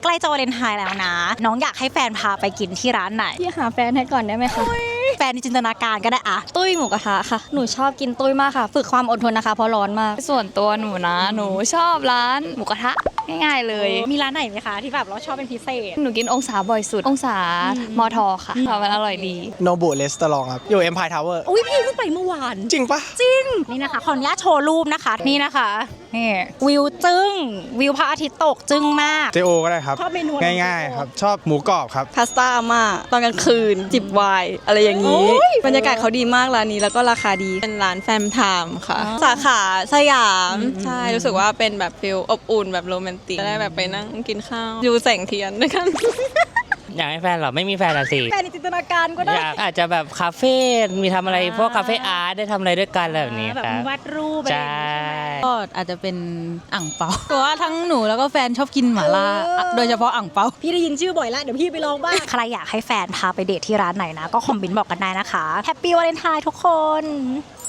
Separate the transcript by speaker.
Speaker 1: ใกล้จะวาเลนไทน์แล้วนะ น้องอยากให้แฟนพาไปกินที่ร้านไหน
Speaker 2: พี่หาแฟนให้ก่อนได้ไหมคะ
Speaker 1: แฟนในจินตนาการก็ได้อะ
Speaker 2: ตุ้ยหมูกระทะค่ะหนูชอบกินตุ้ยมากค่ะฝึกความอดทนนะคะเพราะร้อนมาก
Speaker 3: ส่วนตัวหนูนะหนูชอบร้านหมูกระทะง่ายๆเลย
Speaker 1: มีร้านไหนไหมคะที่แบบเราชอบเป็นพิเศษ
Speaker 3: หนูกินองศาบ่อยสุดองศามอทอค่ะมันอร่อยดี
Speaker 4: โนบุเรสตอรองครับ อยู่ Empire Tower
Speaker 1: อุ้ยพี่เพิ่งไปเมื่อวาน
Speaker 4: จริงปะ
Speaker 1: นี่นะคะขออนุญาตโชว์รูปนะคะนี่นะคะนี่วิวจึ้งวิวพระอาทิตย์ตกจึ้งมาก
Speaker 4: เจโอก็ได้ครับ
Speaker 1: ชอบเมนูอะไร
Speaker 4: ง่ายๆครับ ชอบหมูกรอบครับ
Speaker 5: พาสต้าอาม่าตอนกลางคืน จิบไวน์อะไรอย่างนี้ บรรยากาศเขาดีมากร้านนี้แล้วก็ราคาดีเป็นร้านแฟมไทม์ค่ะ สาขาสยามใช่รู้สึกว่าเป็นแบบฟิลอบอุ่นแบบโรแมนติกได้แบบไปนั่งกินข้าวดูแสงเทียนด้วยกัน
Speaker 6: อยากให้แฟนเหรอไม่มีแฟนอะสิ
Speaker 1: แฟนในจินตนาการก็ได้
Speaker 6: อยากอาจจะแบบคาเฟ่มีทำอะไรพวกคาเฟ่อาร์ตได้ทำอะไรด้วยกันอะไรแบบนี้
Speaker 1: แบบ
Speaker 6: ครับ
Speaker 1: วาดรูปอะไรอ
Speaker 6: ใช่
Speaker 1: ย่างงี้ใช่ไหม
Speaker 7: ก็อาจจะเป็นอ่างเปาแต่ว่าทั้งหนูแล้วก็แฟนชอบกินหม่าล่าโดยเฉพาะอ่างเปา
Speaker 1: พี่ได้ยินชื่อบ่อยแล้วเดี๋ยวพี่ไปลองบ้าง ใครอยากให้แฟนพาไปเดทที่ร้านไหนนะ ก็คอมเมนต์บอกกันได้นะคะแฮปปี้วาเลนไทน์ทุกคน